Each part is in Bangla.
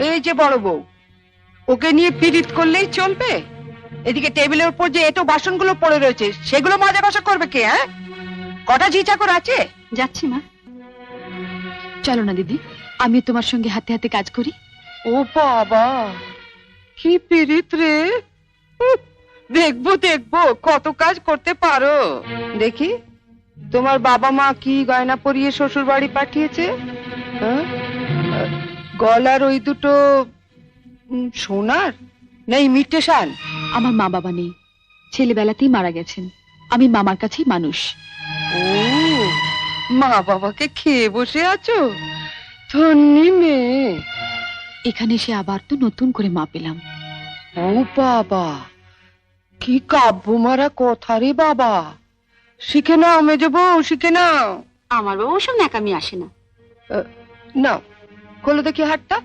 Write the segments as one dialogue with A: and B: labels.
A: এই যে বড় বউ, ওকে নিয়ে পীড়িত করলেই চলবে? এদিকে টেবিলের উপর যে এটো বাসনগুলো পড়ে রয়েছে, সেগুলো মাজা কষা করবে কে? হ্যাঁ, কটা ঝি চাকর আছে?
B: যাচ্ছি মা। চলো না দিদি, আমি তোমার সঙ্গে হাতে হাতে কাজ করি।
A: ও বাবা, কি পীড়িত রে! দেখবো দেখবো কত কাজ করতে পারো। দেখি তোমার বাবা মা কি গয়না পরিয়ে শ্বশুর বাড়ি পাঠিয়েছে। হ্যাঁ? গলার ওই দুটো সোনার না ইমিটেশন?
B: আমার মা বাবা নেই, ছেলেবেলাতেই মারা গেছেন। আমি মামার কাছেই মানুষ।
A: ও, মা বাবাকে খেয়ে বসে আছো? ধন্যি মেয়ে।
B: এখানে এসে আবার তো নতুন করে মা পেলাম।
A: ও বাবা, কি কাব্য মারা কথা রে বাবা! শিখে নাও মেজো বউ, শিখে নাও।
B: আমার বাবা ওসব ন্যাকামি আসে না।
A: নাও, খোলো দেখি হাতটা।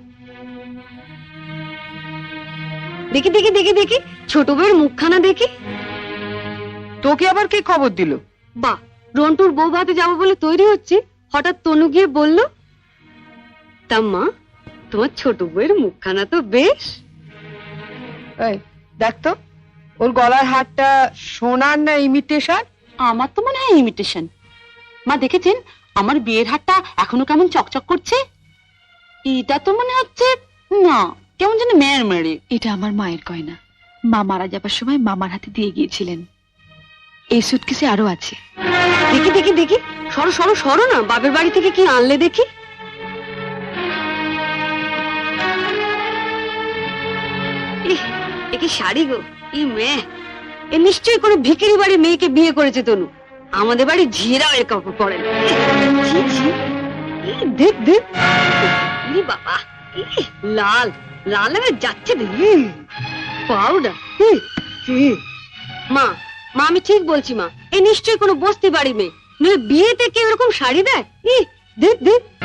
B: দেখি দেখি দেখি দেখি, ছোট বউয়ের মুখখানা দেখি।
A: তোকে আবার কে খবর দিল?
B: বা, রন্টুর বউ ভাতে যাবো বলে তৈরি হচ্ছি, হঠাৎ তনু গিয়ে বলল, তা মা, তোমার ছোট বউয়ের মুখখানা তো বেশ।
A: এই দেখ তো, ওর গলার হারটা সোনার না ইমিটেশন?
B: আমার তো মনে হয় ইমিটেশন। মা দেখেছেন আমার বিয়ের হারটা এখনো কেমন চকচক করছে? এটা তো মনে হচ্ছে না, কেমন যেন মেয়ের মেরে। এটা আমার মায়ের গয়না, মা মারা যাবার সময় মামার হাতে দিয়ে গিয়েছিলেন। এই সুটকেসে আরো আছে। দেখি দেখি দেখি, সরো সরো সরো না, বাপের বাড়ি থেকে কি আনলে দেখি। এ কি শাড়ি গো, ই মেয়ে, এ নিশ্চয়ই কোনো ভিখারি বাড়ির মেয়েকে বিয়ে করেছে তনু। আমাদের বাড়ি ঝিরা এর কাপড় পরে না। দেখ দেখ, বাবা, লাল লাল হয়ে যাচ্ছে দেখি। পাউডার। মা মা, আমি ঠিক বলছি মা, এ নিশ্চয়ই কোনো বস্তি বাড়ি মেয়ে, নইলে বিয়েতে কেউ এরকম শাড়ি দেয়? দেখ দেখ,